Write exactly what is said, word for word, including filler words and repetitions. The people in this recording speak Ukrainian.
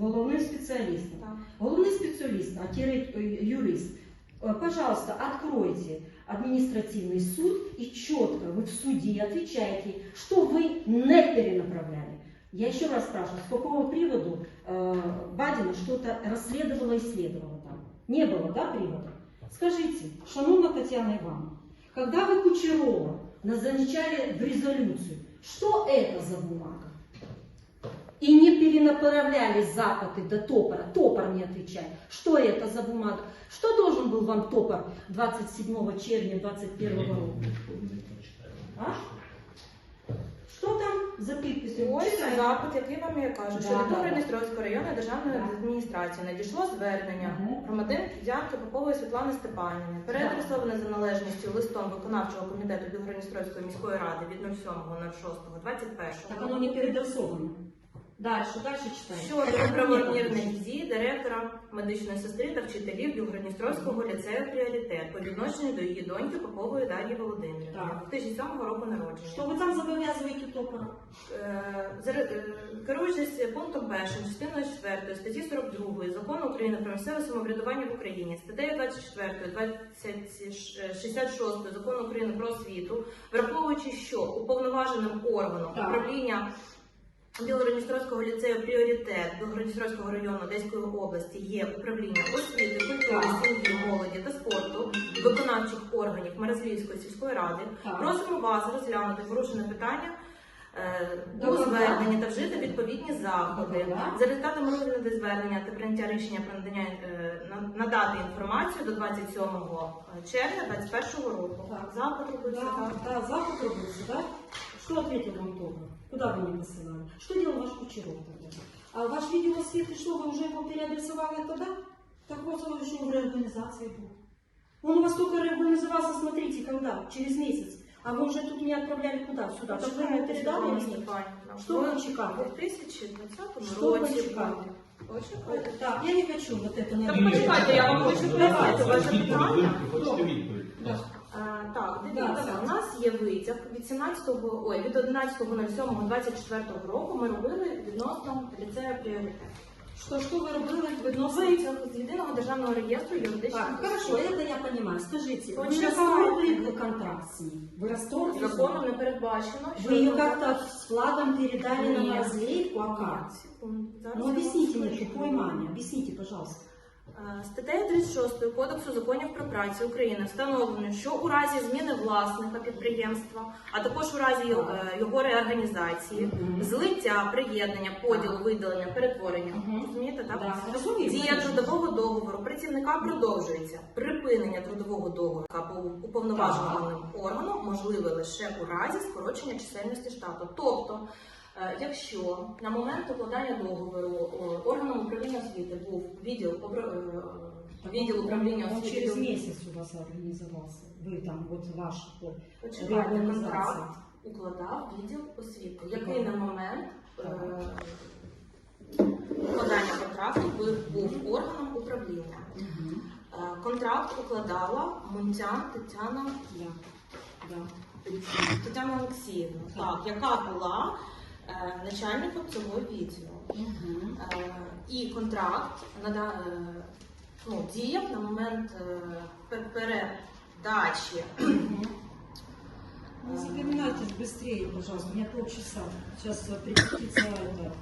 головним спеціалістом. Так. Головний спеціаліст, а тире юрист, пожалуйста, откройте административный суд и четко вы в суде отвечаете, что вы не перенаправляли. Я еще раз спрашиваю, с какого приводу э, Бадина что-то расследовала и исследовала там? Не было, да, привода? Скажите, шановна Татьяна Ивановна, когда вы Кучерова назначали в резолюцию, что это за бумага? И не перенаправляли запады до Топора, Топор не отвечает. Что это за бумага? Что должен был вам Топор двадцать седьмого червня двадцать первого года? А? Что там за підписи? Ось запит, який вам я кажу, Да, що від да, да. Городністровської районної державної Да. адміністрації надійшло звернення Мгм. громадянки Діанки Попової Світлани Степанівни, переадресоване за належністю листом виконавчого комітету Білгородністровської міської ради від сьомого шостого двадцять першого. Так оно не переадресовано. Дальше, дальше читаем. Щодо неправомірних дій директора, медичної сестри та вчителів Білгородністровського ліцею «Пріоритет» по відношенню до її доньки Попової Дар'ї Володимирівни, Так. дві тисячі сьомого року народження. Что вы там зобов'язуєте Топора? Е, заре- е, Керуючись пунктом першим, частиною четвертої статті сорок другої Закону України про місцеве самоврядування в Україні, статтею двадцять четвертою, двадцять шістдесят шостою Закону України про освіту, враховуючи, що уповноваженим органом Так. управління Білгородністровського ліцею «Пріоритет» Білгородністровського району Одеської області є управління освіти, культури, сім'ї, молоді та спорту виконавчих органів Мерезлівської сільської ради. Так. Просимо вас розглянути порушене питання е, у Добре. зверненні та вжити відповідні заходи. Добре. За результатами розгляду звернення та прийняття рішення про надання е, на- надати інформацію до двадцять сьомого червня двадцять першого року. Так. Запит робиться, Да, так. да, запад робился, да? Что ответил вам Топор? Куда вы не посылали? Что делал ваш Кучеров тогда? А ваш видеосвет, и что, вы уже его переадресовали тогда? Так вот, он еще в реорганизации был. Он у вас только реорганизовался, смотрите, когда? Через месяц. А вы уже тут не отправляли куда? Сюда. Что вы ему передали или нет? Что вы У чекали? дві тисячі двадцятому Что вы році. чекали? Почекайте. Так, я не хочу вот это не Так, отвечать. почекайте, я вам хочу пояснити ваше Відповідь, питання. хочете відповідь? Да. А, так, Да, дивіться, да. у нас є витяг від сімнадцятого, ой, від одинадцятого сьомого двадцять четвертого року ми робили відносно ліцею «Пріоритет». Что, что вы робили відносно? Витяг з єдиного державного реєстру юридичних Так, хорошо, осіб. это я понимаю. Скажите, вы Почекайте. расторгли контракт с ним? Вы расторгли? Законом не передбачено, Вы ее контракт- как-то с флагом передали на Нет. Морозлейку, а как? Нет, секунду, зараз Ну я вам объясните мне, скажу. тупой маме, объясните, пожалуйста. Е, Статтею тридцять шостою Кодексу законів про працю України встановлено, що у разі зміни власника підприємства, а також у разі його, е, його реорганізації, Мгм. злиття, приєднання, поділу, видалення, перетворення, Мгм. розумієте, так? Да, розумію, Дія конечно. трудового договору працівника продовжується. Припинення трудового договору або уповноваженим органом можливе лише у разі скорочення чисельності штату. Тобто, е, якщо на момент укладання договору о, органом управління освіти був відділ, обра- е, відділ управління Он освіти, через месяц у вас организовался. Вы там, вот ваш вот, почекайте, реорганізація. контракт укладав відділ освіти, який на момент е, укладання контракту був, був органом управління. Мгм. Е, Контракт укладала Мунтян Тетяна Да. Да. Тетяна Олексіївна, так, яка була е, начальником цього відділу. Мгм. Е, і контракт нада, е, ну, діяв на момент е, пе- передачі. Мгм. Не запоминайте быстрее, пожалуйста, у меня полчаса. Сейчас прекратится это.